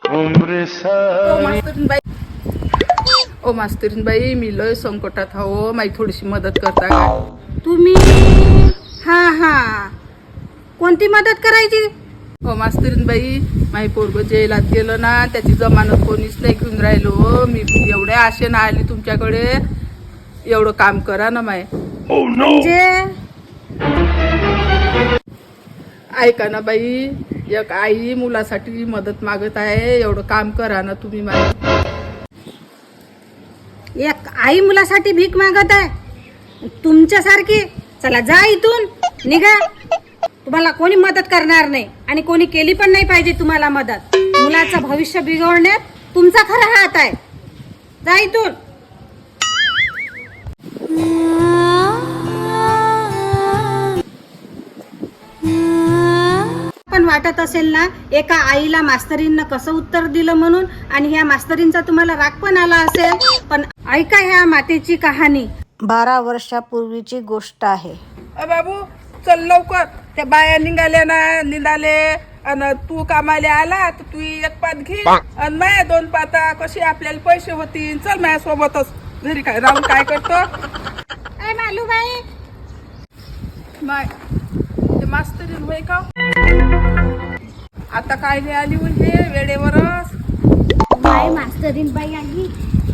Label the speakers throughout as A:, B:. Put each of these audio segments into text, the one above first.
A: ओ मास्तरीन बाई, मी लय संकटात हो, माझी थोडीशी मदत करता का
B: तुम्ही? हा हा, कोणती मदत करायची?
A: हो मास्तरीन बाई, माझी पोरग जेलात गेलं ना, त्याची जमानत कोणीच नाही घेऊन राहिलो. मी एवढ्या आशेनं आली तुमच्याकडे, एवढं काम करा ना माय.
B: म्हणजे
A: ऐका ना बाई, एक आई मुलासाठी मदत मागत आहे, एवढं काम करा ना तुम्ही माय.
B: एक आई मुलासाठी भीक मागत आहे तुमच्यासारखी? चला जा इथून, निघा. तुम्हाला कोणी मदत करणार नाही आणि कोणी केली पण नाही पाहिजे तुम्हाला मदत. मुलाचं भविष्य बिघडण्यात तुमचा खरा हात आहे. जा इथून. पण वाटत असेल ना एका आईला मास्तरींना कसं उत्तर दिलं म्हणून, आणि ह्या मास्तरींचा तुम्हाला राग पण आला असेल. पण ऐका ह्या मातेची कहाणी. 12 वर्षापूर्वीची गोष्ट आहे.
A: बाबू चल लवकर, त्या बाया निघाल्या ना निघाले, आणि तू कामाला आला तर तू एक पात घे आणि माया 2 पाता, कशी आपल्याला पैसे होतील. चल माझ्या सोबतच, घरी काय राहून काय करतो.
B: मालूबाई,
A: माय ते मास्तरीन होय का आता काय नाही आली म्हणजे वेळेवरच.
B: मास्तरीन बाई आली.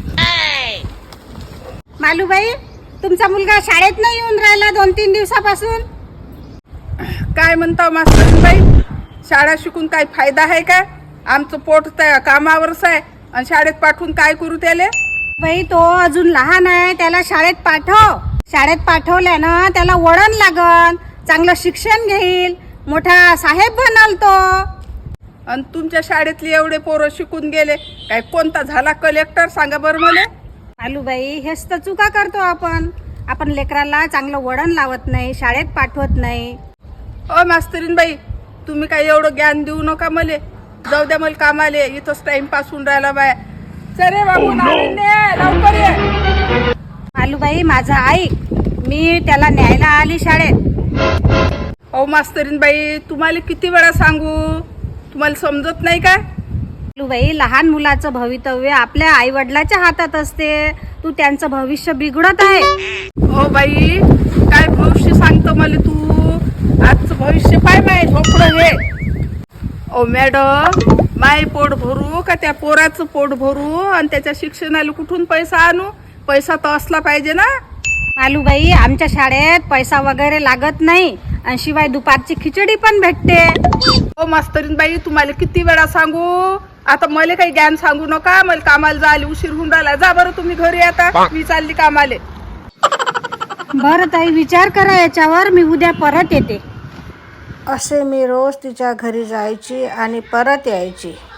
B: मालूबाई, तुमचा मुलगा शाळेत नाही येऊन राहिला 2-3 दिवसापासून.
A: काय म्हणता मास्तरीन बाई, शाळा शिकून काय फायदा आहे काय? आमचं पोट त्या कामावरच आहे, आणि शाळेत पाठवून काय करू त्याले?
B: बाई, तो अजून लहान आहे, त्याला शाळेत पाठव. शाळेत पाठवल्यानं त्याला वळण लागन, चांगलं शिक्षण घेईल, मोठा साहेब बनल तो.
A: आणि तुमच्या शाळेतले एवढे पोरं शिकून गेले, काय कोणता झाला कलेक्टर सांगा बरं मला.
B: मालूबाई, हेच तर चुका करतो आपण. आपण लेकराला चांगलं वळण लावत नाही, शाळेत पाठवत नाही.
A: ओ मास्तरीन बाई, तुम्ही काय एवढं ज्ञान देऊ नका मले. जाऊ द्या मला कामाले, इथंच टाइमपास होऊन राहिला बाय. चले बाबू, लवकर ये.
B: मालूबाई, माझं ऐक, मी त्याला न्यायला आली शाळेत.
A: ओ मास्तरीन बाई, तुम्हाला किती वेळा सांगू, तुम्हाला समजत नाही का?
B: मालूबाई, लहान मुलाचं भवितव्य आपल्या आई वडिलाच्या हातात असते. तू त्यांचं भविष्य बिघडत आहे.
A: ओ बाई, काय भविष्य सांगतो मला तू? आजचं भविष्य पाय माय झोपडं हे. ओ मॅडम, माय पोट भरू का त्या पोराचं पोट भरू, आणि त्याच्या शिक्षणाला कुठून पैसा आणू? पैसा तर असला पाहिजे ना.
B: मालूबाई, आमच्या शाळेत पैसा वगैरे लागत नाही, आणि शिवाय दुपारची खिचडी पण भेटते.
A: ओ मास्तरीन बाई, तुम्हाला किती वेळा सांगू, आता मला काही ज्ञान सांगू नका. मला कामाला जायला उशीर होऊन राहिला. जा बरं तुम्ही घरी, आता मी चालली कामाले.
B: बरं ताई, विचार करा याच्यावर, मी उद्या परत येते. असे मी रोज तिच्या घरी जायची आणि परत यायची.